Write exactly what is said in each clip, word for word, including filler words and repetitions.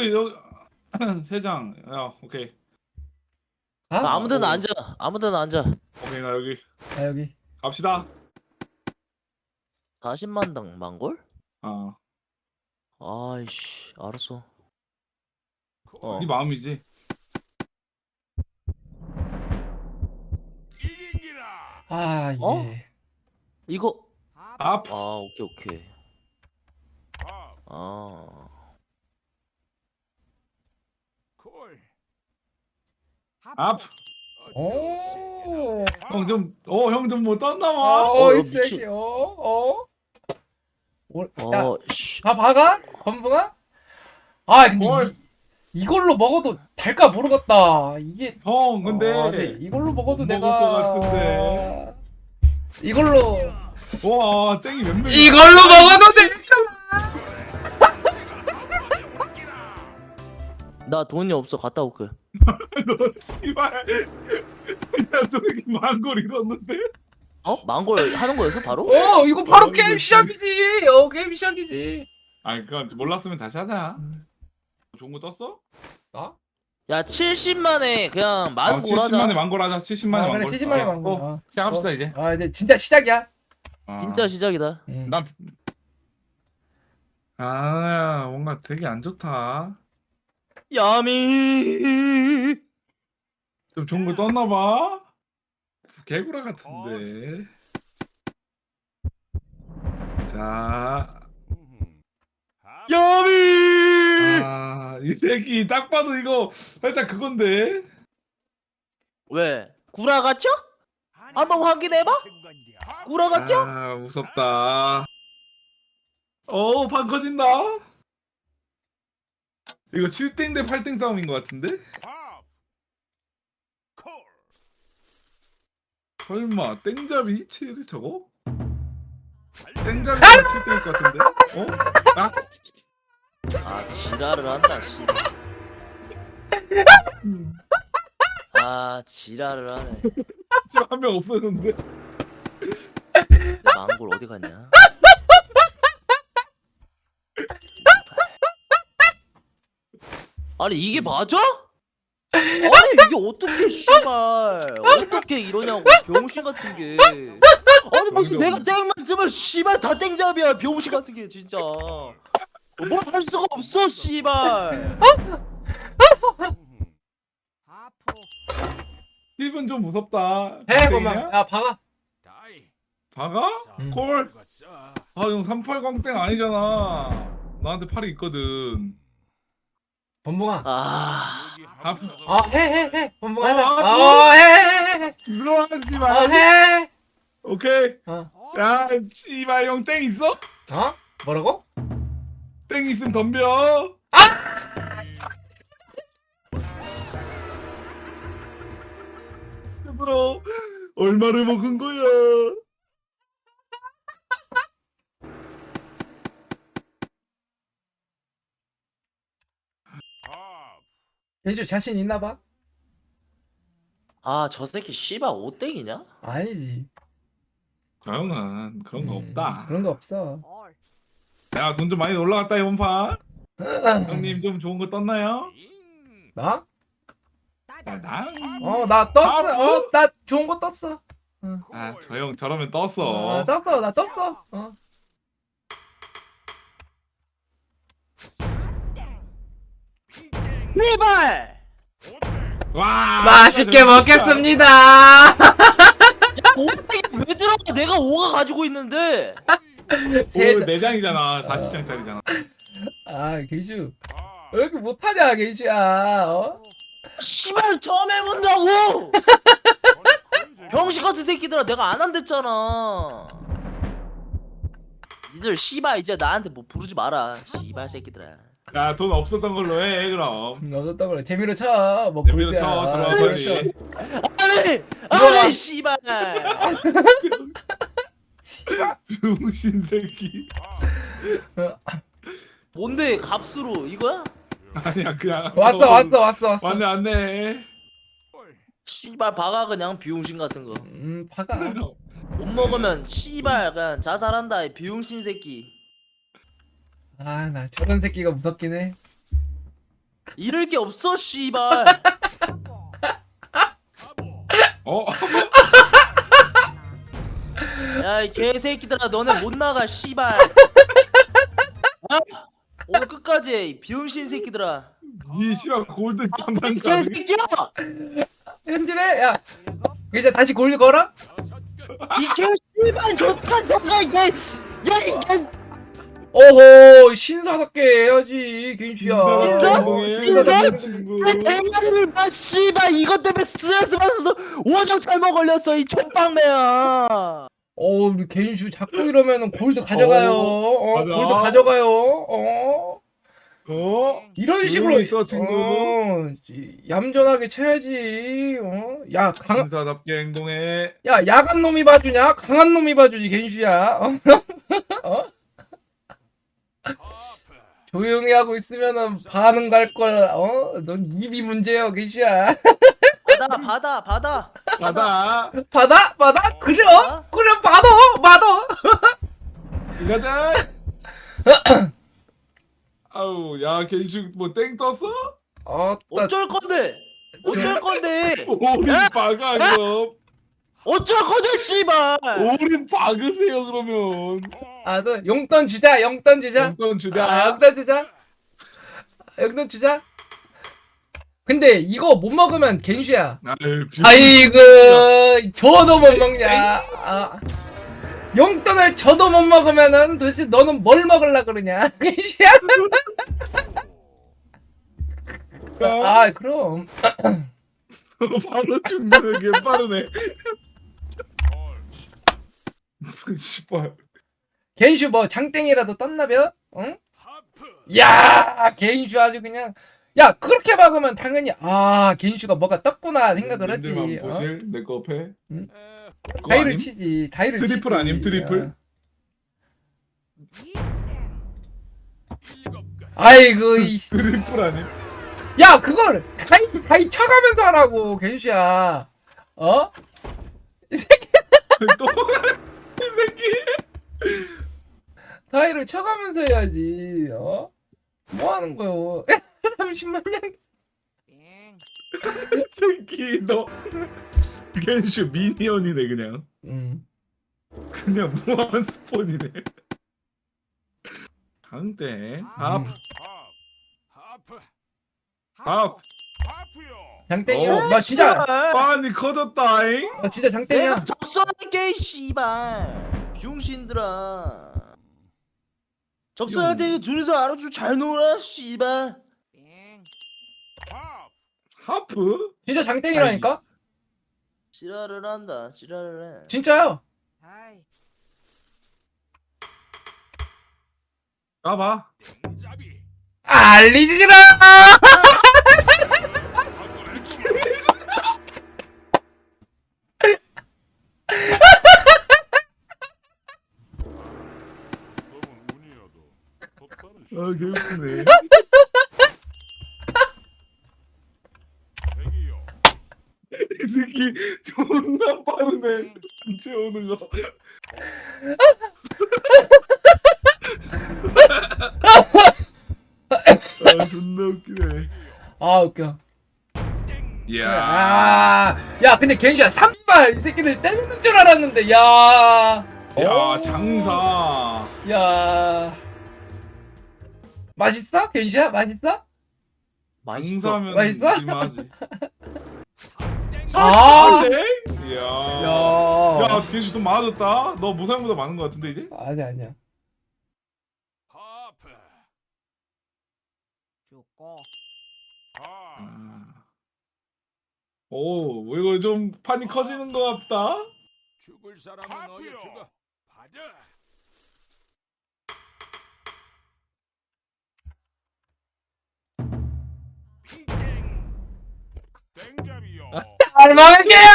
여기 여기 세 장. 야 오케이. 아? 아, 아무데나 어. 앉아. 아무데나 앉아. 오케이 나 여기 아 여기. 갑시다. 사십만 당 만골? 어. 아이씨, 알았어. 어. 네 마음이지. 아 이게. 어? 이거 앞. 아, 오케이, 오케이. 아. 앞. 오. 형 좀 어 형 좀 뭐 떴나 어, 봐. 어, 이 미친. 새끼. 어, 어. 올- 야, 어, 씨. 다 박아? 건붕아? 아, 근데 뭘? 이, 이걸로 먹어도 될까 모르겠다. 이게 형 근데 아, 근데 이걸로 먹어도 못 내가 먹을 것 같은데. 이걸로 와 땡이 몇 명? 이걸로 먹어도 되잖아. 나 돈이 없어. 갔다 올게. 너 씨발. 야저 새끼 망골 잃었는데. 어? 망골 하는 거였어, 바로? 어, 이거 바로 어, 게임 이거 시작이지. 어, 게임 시작이지. 아니 그건 몰랐으면 다시 하자. 좋은 거 떴어? 나? 야, 칠십만에 그냥 어, 만골 칠십만에 하자. 망골 하자. 칠십만에 아, 그래, 망골. 칠십만에 어, 망골. 어, 어. 시작합시다 어. 이제. 아, 이제 진짜 시작이야. 어. 진짜 시작이다. 음. 난 아, 뭔가 되게 안 좋다. 야미. 좀 좋은 거 떴나 봐. 개구라 같은데. 자, 야미. 아, 이 새끼 딱 봐도 이거 살짝 그건데. 왜? 구라 같죠? 한번 확인해봐. 구라 같죠? 아, 무섭다. 오, 판 커진다. 이거 칠 땡 대 팔 땡 싸움인 것 같은데? 설마 땡잡이 칠 저거? 땡잡이가 칠 땡일 것 같은데? 어? 아? 아, 지랄을 한다, 씨. 아, 지랄을 하네. 지금 한 명 없었는데. 내 망골 어디 갔냐? 아니, 이게 맞아? 아니, 이게 어떻게 씨발 어떻게 이러냐고, 병신 같은 게. 아니 무슨 내가 땡만 뜨면 씨발 다 땡잡이야, 병신 같은 게 진짜. 뭘 할 수가 없어 씨발. 힙은 좀 무섭다. 해, 땡이냐? 그만. 야, 박아. 박아? 음. 콜? 아, 형 삼팔 광땡 아니잖아. 나한테 팔이 있거든. 건붕아. 아, 아, 어, 해, 해, 해. 건붕아. 하자. 어, 어, 해, 해, 해. 물러가지 어, 마. 해. 오케이. 어. 야, 씨발 형 땡 있어? 어? 뭐라고? 땡 있으면 덤벼. 스스로 얼마를 먹은 거야? 현주 자신 있나 봐? 아, 저 새끼 씨발 오땡이냐? 아니지. 저 형은 그런 거 음, 없다. 그런 거 없어. 야, 돈 좀 많이 올라갔다 이번 판. 형님 좀 좋은 거 떴나요? 나? 야, 나. 어, 나 떴어. 아, 어, 나 좋은 거 떴어. 아, 저 형 저러면 어, 떴어. 떴어. 나 떴어. 어. 제발. 와, 맛있게 진짜 먹겠습니다. 오땡이 왜 들어가? 내가 오가 가지고 있는데. 세 오, 장. 네 장이잖아. 사십 장짜리잖아. 아, 게이슈. 왜 이렇게 못하냐, 게이슈야. 어? 씨발 처음 해본다고. 병신 같은 새끼들아, 내가 안 한댔잖아. 니들 씨발 이제 나한테 뭐 부르지 마라, 씨발 새끼들아. 야, 돈 없었던 걸로 해, 그럼. 음, 얻었던 거래. 재미로 쳐. 뭐 재미로 볼 때야. 쳐, 들어와, 아, 빨리. 재미로 아니, 아니, 씨발. 병신 새끼. 뭔데 값으로 이거야? 아니야, 그냥. 쳐. 왔어, 왔어, 왔어, 왔어. 왔네, 왔네. 씨발 박아 그냥 비용신 같은 거. 음, 파가. 못 먹으면 씨발 그냥 자살한다, 이 비용신 새끼. 아, 나 저런 새끼가 무섭긴 해. 잃을 게 없어 씨발. 어? 야 이 개새끼들아 너네 못 나가 씨발. 아! 오늘 끝까지 해, 이 비음신 새끼들아. 이 씨발 골든 이 장난 가능? 개새끼야! 현질해. 야 이제 다시 골드 걸어. 이 개씨발 족간 잠깐 이게 야이 개. 오호 신사답게 해야지 겐슈야. 인사? 인사? 인사? 친구. 대가리를 봐 씨발 이것 때문에 스트레스 받아서 원형 탈모 걸렸어 이 족방매야. 어 우리 겐슈 자꾸 이러면은 골드 가져가요. 어, 맞아. 골드 가져가요. 어 어? 이런 식으로 조용히 있어, 친구. 어, 이- 얌전하게 쳐야지. 어? 야 강, 인사답게 행동해. 야 야간 놈이 봐주냐? 강한 놈이 봐주지 겐슈야. 어? 어? 조용히 하고 있으면은 반응 갈 걸. 어? 넌 입이 문제야 겐슈야. 받아 받아 받아. 가자. 받아 받아 그래 받아? 그래 받아 받아. 가자. 아우, 야, 겐슈 뭐땡 떴어? 어, 어쩔 건데? 어쩔 건데? 오린 박아 그럼. 어쩔 건데 씨발. 오린 박으세요 그러면. 아, 너 용돈 주자, 용돈 주자. 용돈 아, 주자. 용돈 주자. 용돈 주자. 근데 이거 못 먹으면 겐슈야. 아유, 비- 아이고, 줘도 못 먹냐. 아, 용돈을 줘도 못 먹으면은 도대체 너는 뭘 먹으려 그러냐, 겐슈야. 아, 그럼. 바로 죽는 게 빠르네. 씨발. 겐슈 뭐 장땡이라도 떴나벼? 응? 야, 겐슈 아주 그냥. 야, 그렇게 막으면 당연히 아, 겐슈가 뭐가 떴구나 생각을 하지. 님들만 어? 보실 내 거 앞에. 응? 그거 다이를 아님? 치지. 다이를 트리플 치지. 아님, 트리플? 어. 아이고 이 씨. 트리플 아님? 야, 그걸 다이 다이 쳐가면서 하라고, 겐슈야. 어? 이 새끼 또? 이 새끼. 다이를 쳐가면서 해야지. 어? 뭐 하는 거요? 삼십만 냥. 새끼 너. 겐슈 미니언이네 그냥. 음. 그냥 무한 스폰이네. 강땡. 합. 음. 합. 장땡이야. 어. 나 진짜 많이 커졌다잉. 나 진짜 장땡이야. 내가 적선할게 이 씨발. 병신들아. 적선한테 둘이서 알아주 잘 놀아 씨발. 하프? 진짜 장땡이라니까? 지랄을 한다. 지랄을 해. 진짜요. 까봐. 알리지라. 아 개웃기네. 이 새끼 존나 빠르네. 채우는 거. 아 존나 웃기네. 아, 웃겨. 이야. 아, 야, 근데 겐슈야 삼발 이 새끼들 때리는 줄 알았는데, 야, 야 오. 장사. 야, 맛있어? 겐슈야 맛있어? 장사면 맛있어? 일만하지. 아, 네? 이야. 야, 야 겐슈 돈 많아졌다. 너 무상보다 많은 거 같은데 이제? 아니 아니야. 아. 오, 뭐 이거 좀 판이 커지는 것 같다. 죽을 사람은 너희 죽어. 받아. 땡. 땡잡이요. 잘 먹을게요.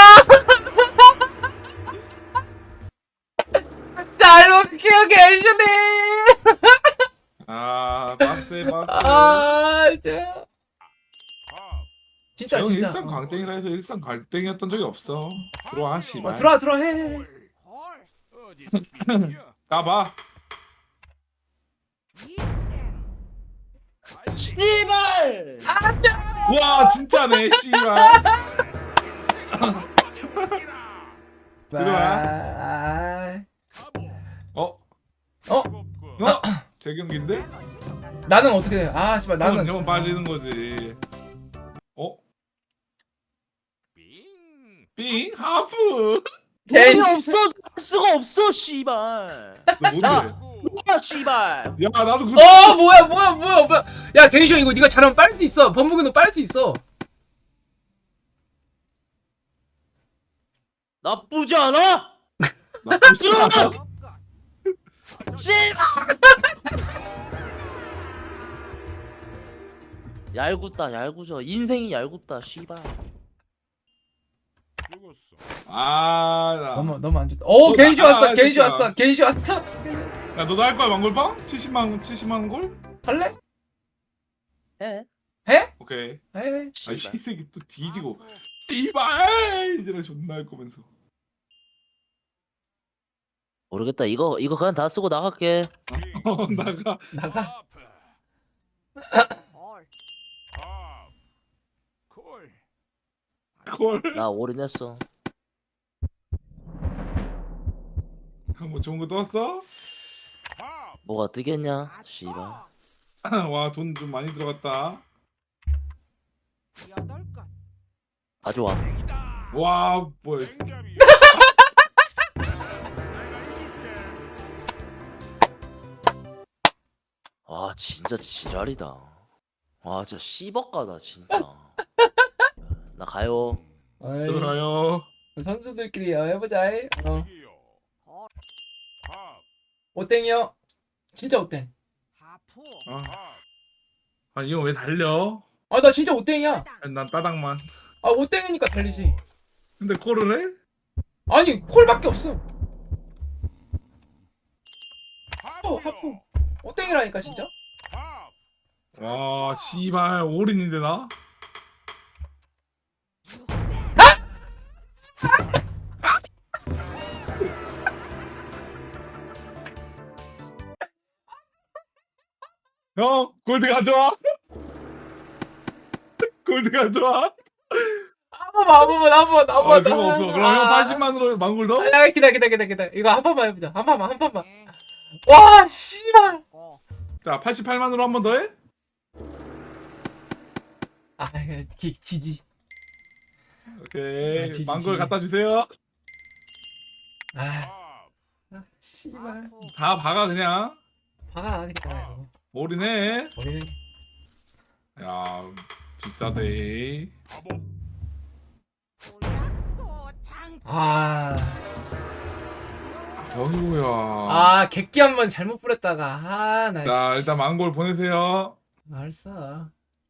잘 먹을게요, 겐슈님. 아, 빡세 빡세. 아, 진짜. 진짜 형 진짜. 일산 광땡이라 해서 일산 광땡이었던 적이 없어. 들어와 씨발. 어, 들어와 들어와 해. 해. 어디서 비벼? 까봐. 씨발. 와 진짜네 씨발. 들어와. 아, 어? 어? 어? 재경기인데? 나는 어떻게 돼? 아 씨발 나는 나는 형 빠지는 거지. 어? 빙. 삥 하프. 돈이 개인 없어서 할 수가 없어 씨발. 너 뭔데? 야 씨발. 야 나도 그. 어 뭐야 뭐야 뭐야 뭐야 야 개인쇼 이거 네가 잘하면 빨 수 있어 범벅이 너 빨 수 있어 나쁘지 않아? 나쁘지 들어가! 않아. 씨발. 얄궂다 얄궂어 인생이 얄궂다 씨발. 죽었어. 아, 나. 너무 너무 안 좋다 오 어, 개인쇼 나- 왔어 아, 개인쇼 진짜. 왔어 개인쇼 왔어 야, 너도 할 거야, 망골빵? 칠십만 원, 칠십만 원 골? 할래? 해. 해? 오케이. 해 아, 이 씨발. 새끼 또 뒤지고. 이발! 이제는 존나 할 거면서. 모르겠다 이거 이거 그냥 다 쓰고 나갈게. 어, 나가. 나가 하프. 하. 콜. 콜. 나 올인했어. 뭐 좋은 거 떴어? 하. 뭐가 뜨겠냐 씨발. 와, 돈 좀 많이 들어갔다. 가져와. 이다. 와, 뭐야. 땡잡이야. 아 진짜 지랄이다. 아 진짜 씨벅가다 진짜. 나 가요. 어이, 들어요. 선수들끼리 어, 해보자 이. 어. 이기요. 하. 오땡이요 진짜 오땡 아, 하. 아 이거 왜 달려? 아 나 진짜 오땡이야 아니, 난 따닥만. 아 오땡이니까 달리지 근데 콜을 해? 아니 콜밖에 없어 하프요. 하프. 오땡이라니까 진짜 하. 와, 씨발, 올인인데 나? 형, 골드 가져와. 골드 가져와. 한 번만 한 번만 한 번만 한 아, 번만 그거 없어. 그럼 형 팔십만으로 망골 더? 아 기다 기다 기다 기다 이거 한 번만 해보자 한 번만 한 번만 와 씨발 자, 팔십팔만으로 한 번 더 해? 아 기, 지지 오케이. 아, 지지, 망골 지지. 갖다 주세요. 아 하. 아, 씨발 다 박아 그냥. 박아 그냥 올인해. 우리는 야, 비싸대. 바보. 아, 어휴야. 아 객기 한 번 잘못 뿌렸다가 아나 자, 일단 망골 보내세요. 알았어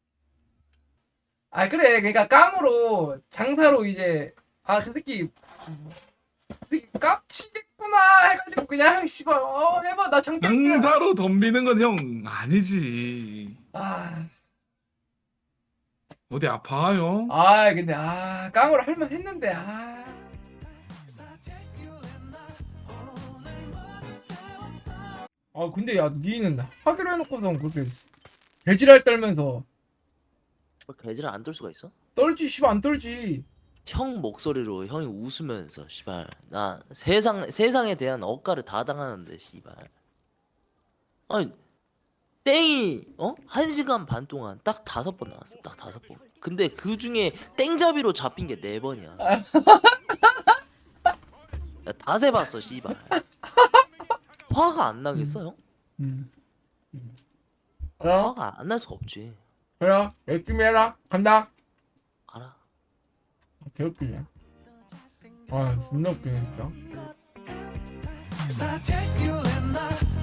아 그래 그러니까 깜으로 장사로 이제 아 저 새끼 저 새끼 깝치겠구나 해가지고 그냥 씨발 어 해봐 나 장땡이야 장사로 덤비는 건 형 아니지. 아, 어디 아파 형? 아 근데 아 깡으로 할만 했는데 아 아 근데 야 니는 하기로 해놓고선 그렇게 개지랄 떨면서 뭐 개질 안 떨 수가 있어? 떨지 씨발 안 떨지 형 목소리로 형이 웃으면서 씨발 나 세상 세상에 대한 억가를 다 당하는데 씨발. 아니 땡이 어? 한 시간 반 동안 딱 다섯 번 나왔어. 딱 다섯 번. 근데 그 중에 땡잡이로 잡힌 게 네 번이야. 야, 다 세봤어 씨발. 화가 안 나겠어 형? 음. 그래 화가 안 날 수가 없지. 그래 열심히 해라 간다 가라. 개웃기네 아 존나 웃기네 진짜 I take you in the